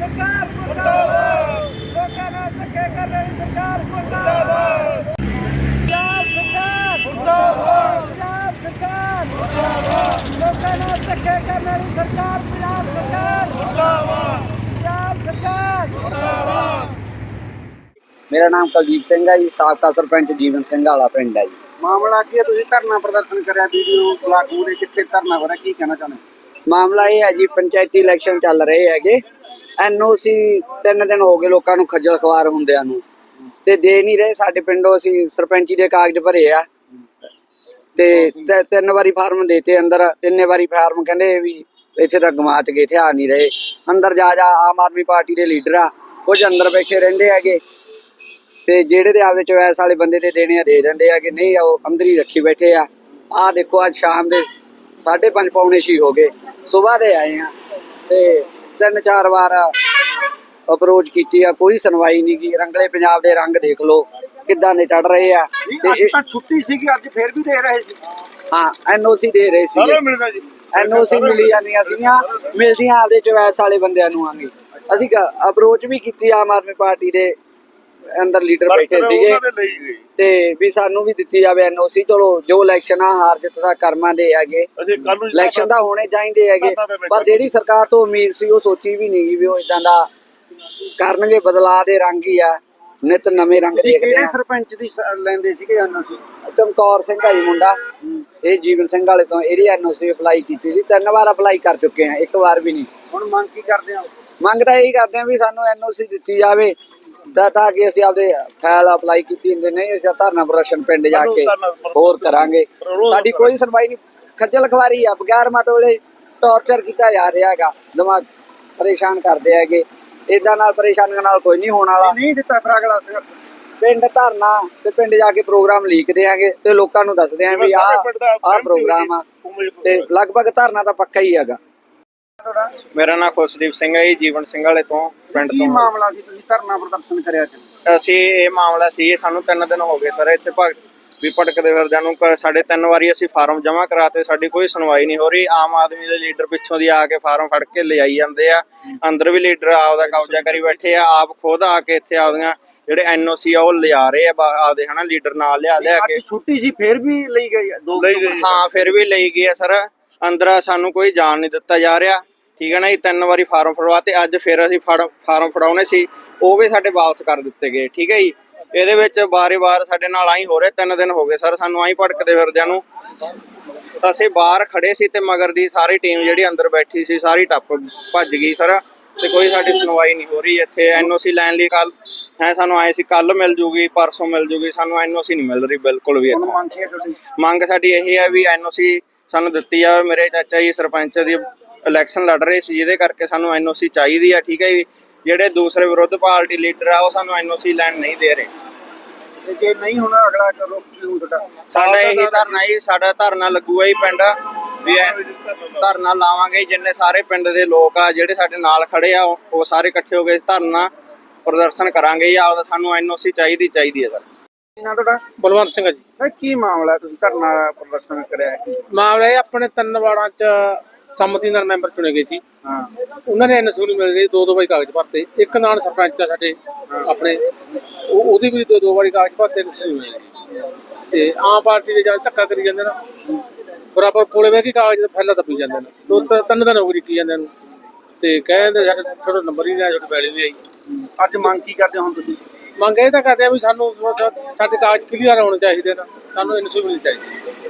सरकार मुर्दाबाद, लोकां नाल धक्के करने वाली सरकार मुर्दाबाद, पंजाब सरकार मुर्दाबाद, पंजाब सरकार मुर्दाबाद, लोकां नाल धक्के करने वाली सरकार पंजाब सरकार मुर्दाबाद, पंजाब सरकार मुर्दाबाद। मेरा नाम कुलदीप सिंह है जी, साबका सरपंच जीवन सिंह वाला पिंड है जी। ਮਾਮਲਾ ਕੀ ਹੈ? ਤੁਸੀਂ ਧਰਨਾ ਪ੍ਰਦਰਸ਼ਨ ਕਰਿਆ ਵੀਡੀਓ ਬਲਾਕ ਮੂਰੇ, ਕਿੱਥੇ ਧਰਨਾ ਹੋ ਰਿਹਾ, ਕੀ ਕਹਿਣਾ ਚਾਹੁੰਦੇ? ਮਾਮਲਾ ਇਹ ਹੈ ਜੀ, ਪੰਚਾਇਤੀ ਇਲੈਕਸ਼ਨ ਚੱਲ ਰਹੇ ਹੈਗੇ। ਐਨਓਸੀ 3 ਦਿਨ ਹੋ ਗਏ ਲੋਕਾਂ ਨੂੰ ਖੱਜਲ ਖਵਾਰ ਹੁੰਦਿਆਂ ਨੂੰ, ਤੇ ਦੇ ਨਹੀਂ ਰਹੇ। ਸਾਡੇ ਪਿੰਡੋਂ ਅਸੀਂ ਸਰਪੰਚੀ ਦੇ ਕਾਗਜ਼ ਭਰੇ ਆ ਤੇ 3 ਵਾਰੀ ਫਾਰਮ ਦੇਤੇ ਅੰਦਰ, 3 ਵਾਰੀ ਫਾਰਮ ਕਹਿੰਦੇ ਵੀ ਇੱਥੇ ਤਾਂ ਗਮਾਚ ਗਏ, ਇੱਥੇ ਆ ਨਹੀਂ ਰਹੇ। ਅੰਦਰ ਜਾ ਆਮ ਆਦਮੀ ਪਾਰਟੀ ਦੇ ਲੀਡਰ ਆ, ਕੁਝ ਅੰਦਰ ਬੈਠੇ ਰਹਿੰਦੇ ਹੈਗੇ ਤੇ ਜਿਹੜੇ ਦੇ ਆਪਦੇ ਚੋਇਸ ਵਾਲੇ ਬੰਦੇ ਦੇ ਦੇਣੇ ਆ ਦੇ ਦਿੰਦੇ ਆ ਕਿ ਨਹੀਂ, ਉਹ ਅੰਦਰ ਹੀ ਰੱਖੀ ਬੈਠੇ ਆ। ਆਹ ਦੇਖੋ ਅੱਜ ਸ਼ਾਮ ਦੇ 5:30 ਪੌਣੇ 6 ਹੋ ਗਏ, ਸੁਬਾਹ ਦੇ ਆਏ ਆ ਤੇ 3-4 ਵਾਰ ਅਪਰੋਚ ਕੀਤੀ ਆ, ਕੋਈ ਸੁਣਵਾਈ ਨਹੀਂ ਗੀ। ਰੰਗਲੇ ਪੰਜਾਬ ਦੇ ਰੰਗ ਦੇਖ ਲਓ ਕਿੱਦਾਂ ਦੇ ਚੜ ਰਹੇ ਆ। ਅੱਜ ਤਾਂ ਛੁੱਟੀ ਸੀਗੀ, ਅੱਜ ਫੇਰ ਵੀ ਦੇ ਰਹੇ ਸੀ। ਹਾਂ, ਐਨਓਸੀ ਦੇ ਰਹੇ ਸੀ, ਐਨਓਸੀ ਮਿਲੀ ਜਾਂਦੀਆਂ ਸੀਗੀਆਂ, ਮਿਲਦੀਆਂ ਆਪਦੇ ਚੋਇਸ ਵਾਲੇ ਬੰਦਿਆਂ ਨੂੰ ਆਂਗੇ। ਅਸੀਂ ਅਪਰੋਚ ਵੀ ਕੀਤੀ ਆਮ ਆਦਮੀ ਪਾਰਟੀ ਦੇ ਅੰਦਰ ਲੀਡਰ ਬੈਠੇ ਸੀਗੇ ਤੇ ਵੀ ਸਾਨੂੰ ਵੀ ਦਿੱਤੀ ਜਾਵੇ ਐਨਓਸੀ। ਚਲੋ ਜੋ ਇਲੈਕਸ਼ਨ ਆ ਹਾਰ ਜਿੱਤ ਦਾ ਕਰਮਾਂ ਦੇ ਹੈਗੇ, ਇਲੈਕਸ਼ਨ ਤਾਂ ਹੋਣੇ ਚਾਹੀਦੇ ਹੈਗੇ, ਪਰ ਜਿਹੜੀ ਸਰਕਾਰ ਤੋਂ ਉਮੀਦ ਸੀ ਉਹ ਸੋਚੀ ਵੀ ਨਹੀਂ ਵੀ ਉਹ ਇਦਾਂ ਦਾ ਕਰਨਗੇ। ਬਦਲਾਅ ਦੇ ਰੰਗ ਹੀ ਆ, ਨਿਤ ਨਵੇਂ ਰੰਗ ਦੇਖਦੇ ਆ। ਸਰਪੰਚ ਦੀ ਲੈਂਦੇ ਸੀਗੇ ਐਨਓਸੀ? ਚਮਕੌਰ ਸਿੰਘ ਆ ਜੀ ਮੁੰਡਾ, ਇਹ ਜੀਵਨ ਸਿੰਘ ਵਾਲੇ ਤੋਂ। ਇਹਦੀ ਐਨਓਸੀ ਅਪਲਾਈ ਕੀਤੀ ਸੀ, 3 ਵਾਰ ਅਪਲਾਈ ਕਰ ਚੁੱਕੇ ਆ, 1 ਵਾਰ ਵੀ ਨਹੀਂ। ਹੁਣ ਮੰਗ ਕੀ ਕਰਦੇ ਆ? ਮੰਗ ਤਾਂ ਇਹੀ ਕਰਦੇ ਆ ਵੀ ਸਾਨੂੰ ਐਨਓਸੀ ਦਿੱਤੀ ਜਾਵੇ ਤਾਂ ਕਿ ਅਸੀਂ ਆਪਦੇ ਫਾਈਲ ਅਪਲਾਈ ਕੀਤੀ ਹੁੰਦੇ। ਨਹੀਂ ਅਸੀਂ ਧਰਨਾ ਪ੍ਰਦਰਸ਼ਨ ਪਿੰਡ ਜਾ ਕੇ ਹੋਰ ਕਰਾਂਗੇ। ਸਾਡੀ ਕੋਈ ਸੁਣਵਾਈ ਨਹੀਂ, ਖੱਜਲ ਖਵਾਰੀ ਆ, ਬਗੈਰ ਮਤਲਬ ਟੌਰਚਰ ਕੀਤਾ ਜਾ ਰਿਹਾ ਹੈਗਾ, ਦਿਮਾਗ ਪਰੇਸ਼ਾਨ ਕਰਦੇ ਹੈਗੇ। ਏਦਾਂ ਨਾਲ ਪਰੇਸ਼ਾਨੀਆਂ ਨਾਲ ਕੋਈ ਨਹੀਂ ਹੋਣ ਵਾਲਾ। ਨਹੀਂ ਦਿੱਤਾ ਫਿਰ ਅਗਲਾ ਪਿੰਡ ਧਰਨਾ ਤੇ ਪਿੰਡ ਜਾ ਕੇ ਪ੍ਰੋਗਰਾਮ ਲੀਕ ਦੇਾਂਗੇ ਤੇ ਲੋਕਾਂ ਨੂੰ ਦੱਸਦੇ ਆਂ ਵੀ ਆਹ ਪ੍ਰੋਗਰਾਮ ਆ, ਤੇ ਲਗਭਗ ਧਰਨਾ ਤਾਂ ਪੱਕਾ ਹੀ ਹੈਗਾ। ਮੇਰਾ ਨਾਮ ਖੁਸ਼ਦੀਪ ਸਿੰਘ ਹੈ ਜੀ, ਜੀਵਨ ਸਿੰਘ ਵਾਲੇ ਤੋਂ ਪਿੰਡ ਕੀ ਤੋਂ। ਮਾਮਲਾ ਸੀ ਤੁਸੀਂ ਧਰਨਾ ਪ੍ਰਦਰਸ਼ਨ ਕਰਿਆ? ਅਸੀਂ ਇਹ ਮਾਮਲਾ ਸੀ, ਸਾਨੂੰ 3 ਦਿਨ ਹੋ ਗਏ ਸਰ ਇੱਥੇ ਭਟਕਦੇ ਫਿਰਦਿਆਂ ਨੂੰ। ਸਾਡੇ 3 ਵਾਰੀ ਅਸੀਂ ਫਾਰਮ ਜਮ੍ਹਾਂ ਕਰਾਤੇ, ਸਾਡੀ ਕੋਈ ਸੁਣਵਾਈ ਨਹੀਂ ਹੋ ਰਹੀ। ਆਮ ਆਦਮੀ ਦੇ ਲੀਡਰ ਪਿੱਛੋਂ ਦੀ ਆ ਕੇ ਫਾਰਮ ਫੜ ਕੇ ਲਿਜਾਈ ਜਾਂਦੇ ਆ, ਅੰਦਰ ਵੀ ਲੀਡਰ ਆਪਦਾ ਕਬਜ਼ਾ ਕਰੀ ਬੈਠੇ ਆ। ਆਪ ਖੁਦ ਆ ਕੇ ਇੱਥੇ ਆਪਦੀਆਂ ਜਿਹੜੇ ਐਨਓਸੀ ਆ ਉਹ ਲਿਜਾ ਰਹੇ ਆ ਆਪਦੇ, ਹਨਾ, ਲੀਡਰ ਨਾਲ ਲਿਆ ਕੇ। ਛੁੱਟੀ ਸੀ ਫੇਰ ਵੀ ਲਈ ਗਈ? ਹਾਂ, ਫਿਰ ਵੀ ਲਈ ਗਈ ਆ ਸਰ। ਅੰਦਰ ਸਾਨੂੰ ਕੋਈ ਜਾਣ ਨਹੀਂ ਦਿੱਤਾ ਜਾ ਰਿਹਾ, ਠੀਕ ਹੈ ਨਾ ਜੀ। 3 ਵਾਰੀ ਫਾਰਮ ਫੜਵਾਤੇ, ਅੱਜ ਫਿਰ ਅਸੀਂ ਫਾਰਮ ਫੜਾਉਣੇ ਸੀ, ਉਹ ਵੀ ਸਾਡੇ ਵਾਪਸ ਕਰ ਦਿੱਤੇ ਗਏ, ਠੀਕ ਹੈ ਜੀ। ਇਹਦੇ ਵਿੱਚ ਵਾਰ ਸਾਡੇ ਨਾਲ ਆਈ ਹੋ ਰਿਹਾ, 3 ਦਿਨ ਹੋ ਗਏ ਸਰ ਸਾਨੂੰ ਆਈ ਭਟਕਦੇ ਫਿਰਦਿਆਂ ਨੂੰ। ਅਸੀਂ ਬਾਹਰ ਖੜੇ ਸੀ ਤੇ ਮਗਰ ਦੀ ਸਾਰੀ ਟੀਮ ਜਿਹੜੀ ਅੰਦਰ ਬੈਠੀ ਸੀ ਸਾਰੀ ਟੱਪ ਭੱਜ ਗਈ ਸਰ, ਤੇ ਕੋਈ ਸਾਡੀ ਸੁਣਵਾਈ ਨਹੀਂ ਹੋ ਰਹੀ। ਇੱਥੇ ਐਨਓਸੀ ਲੈਣ ਲਈ ਕੱਲ ਸਾਨੂੰ ਆਏ ਸੀ, ਕੱਲ ਮਿਲ ਜੂਗੀ, ਪਰਸੋਂ ਮਿਲ ਜੂਗੀ, ਸਾਨੂੰ ਐਨਓਸੀ ਨਹੀਂ ਮਿਲ ਰਹੀ ਬਿਲਕੁਲ ਵੀ। ਮੰਗ ਸਾਡੀ ਇਹ ਹੈ ਵੀ ਐਨਓਸੀ ਸਾਨੂੰ ਦਿੱਤੀ ਜਾਵੇ। ਮੇਰੇ ਚਾਚਾ ਜੀ ਸਰਪੰਚ ਦੀ ਇਲੈਕਸ਼ਨ ਲੜ ਰਹੇ ਸੀ, ਜਿਹਦੇ ਕਰਕੇ ਸਾਨੂੰ ਐਨਓਸੀ ਚਾਹੀਦੀ ਆ, ਠੀਕ ਹੈ ਜੀ। ਜਿਹੜੇ ਦੂਸਰੇ ਵਿਰੋਧ ਪਾਰਟੀ ਲੀਡਰ ਆ ਉਹ ਸਾਨੂੰ ਐਨਓਸੀ ਲੈਣ ਨਹੀਂ ਦੇ ਰਹੇ। ਜੇ ਨਹੀਂ ਹੋਣਾ ਅਗਲਾ ਕਰੋ ਸਾਡਾ ਇਹੀ ਧਰਨਾ ਜੀ, ਸਾਡਾ ਧਰਨਾ ਲੱਗੂਗਾ ਜੀ ਪਿੰਡ ਵੀ ਧਰਨਾ ਲਾਵਾਂਗੇ। ਜਿੰਨੇ ਸਾਰੇ ਪਿੰਡ ਦੇ ਲੋਕ ਆ ਜਿਹੜੇ ਸਾਡੇ ਨਾਲ ਖੜੇ ਆ ਉਹ ਸਾਰੇ ਇਕੱਠੇ ਹੋ ਕੇ ਧਰਨਾ ਪ੍ਰਦਰਸ਼ਨ ਕਰਾਂਗੇ ਜੀ। ਆਪਦਾ ਸਾਨੂੰ ਐਨਓਸੀ ਚਾਹੀਦੀ ਹੈ ਸਰ। ਤੁਹਾਡਾ? ਬਲਵੰਤ ਸਿੰਘ ਜੀ। ਕੀ ਮਾਮਲਾ, ਤੁਸੀਂ ਧਰਨਾ ਪ੍ਰਦਰਸ਼ਨ ਕਰਿਆ? ਮਾਮਲਾ ਇਹ ਆਪਣੇ 3 ਵਾਰਡਾਂ ਚ ਸੰਮਤੀ ਨਾਲ ਮੈਂਬਰ ਚੁਣੇ ਗਏ ਸੀ। ਹਾਂ, ਉਹਨਾਂ ਨੇ ਐਨਓਸੀ ਨਹੀਂ ਮਿਲ ਰਹੀ, 2 ਵਾਰੀ ਕਾਗਜ਼ ਭਰਤੇ। ਇੱਕ ਨਾਲ ਸਰਪੰਚ ਆ ਸਾਡੇ ਆਪਣੇ, ਉਹਦੀ ਵੀ 2 ਵਾਰੀ ਕਾਗਜ਼ ਭਰਤੇ, ਐਨਓਸੀ ਨਹੀਂ ਮਿਲ ਰਹੀ। ਤੇ ਆਮ ਪਾਰਟੀ ਦੇ ਜਦ ਧੱਕਾ ਕਰੀ ਜਾਂਦੇ ਨਾ, ਬਰਾਬਰ ਕੋਲੇ ਬਹਿ ਕੇ ਕਾਗਜ਼ ਫੈਲਾ ਦੱਬੀ ਜਾਂਦੇ ਨੇ। 2-3 ਦਿਨ ਹੋ ਗਏ ਕੀ ਜਾਂਦੇ ਨੂੰ, ਤੇ ਕਹਿੰਦੇ ਸਾਡੇ ਥੋੜਾ ਨੰਬਰ ਹੀ ਨਹੀਂ ਆਇਆ, ਤੁਹਾਡੀ ਵੈਲਿਊ ਨਹੀਂ ਆਈ। ਅੱਜ ਮੰਗ ਕੀ ਕਰਦੇ ਹੁਣ ਤੁਸੀਂ? ਮੰਗ ਇਹ ਤਾਂ ਕਰਦੇ ਆ ਵੀ ਸਾਨੂੰ ਸਾਡੇ ਕਾਗਜ਼ ਕਲੀਅਰ ਹੋਣੇ ਚਾਹੀਦੇ ਨੇ, ਸਾਨੂੰ ਐਨਓਸੀ ਮਿਲਣੀ ਚਾਹੀਦੀ।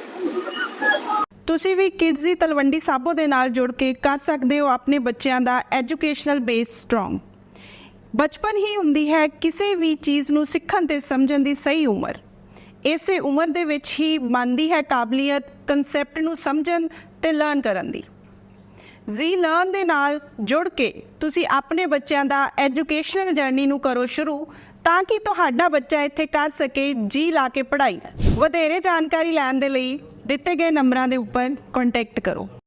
ਤੁਸੀਂ ਵੀ ਕਿਡਜ਼ ਦੀ ਤਲਵੰਡੀ ਸਾਬੋ ਦੇ ਨਾਲ ਜੁੜ ਕੇ ਕਰ ਸਕਦੇ ਹੋ ਆਪਣੇ ਬੱਚਿਆਂ ਦਾ ਐਜੂਕੇਸ਼ਨਲ ਬੇਸ ਸਟਰੋਂਗ। ਬਚਪਨ ਹੀ ਹੁੰਦੀ ਹੈ ਕਿਸੇ ਵੀ ਚੀਜ਼ ਨੂੰ ਸਿੱਖਣ ਤੇ ਸਮਝਣ ਦੀ ਸਹੀ ਉਮਰ। ਇਸੇ ਉਮਰ ਦੇ ਵਿੱਚ ਹੀ ਬਣਦੀ ਹੈ ਕਾਬਲੀਅਤ ਕਨਸੈਪਟ ਨੂੰ ਸਮਝਣ ਤੇ ਲਰਨ ਕਰਨ ਦੀ। ਜ਼ੀ ਲਰਨ ਦੇ ਨਾਲ ਜੁੜ ਕੇ ਤੁਸੀਂ ਆਪਣੇ ਬੱਚਿਆਂ ਦਾ ਐਜੂਕੇਸ਼ਨਲ ਜਰਨੀ ਨੂੰ ਕਰੋ ਸ਼ੁਰੂ, ਤਾਂ ਕਿ ਤੁਹਾਡਾ ਬੱਚਾ ਇੱਥੇ ਕਰ ਸਕੇ ਜੀ ਲਾ ਕੇ ਪੜ੍ਹਾਈ। ਵਧੇਰੇ ਜਾਣਕਾਰੀ ਲੈਣ ਦੇ ਲਈ ਦਿੱਤੇ ਗਏ ਨੰਬਰਾਂ ਦੇ ਉੱਪਰ ਕੰਟੈਕਟ ਕਰੋ।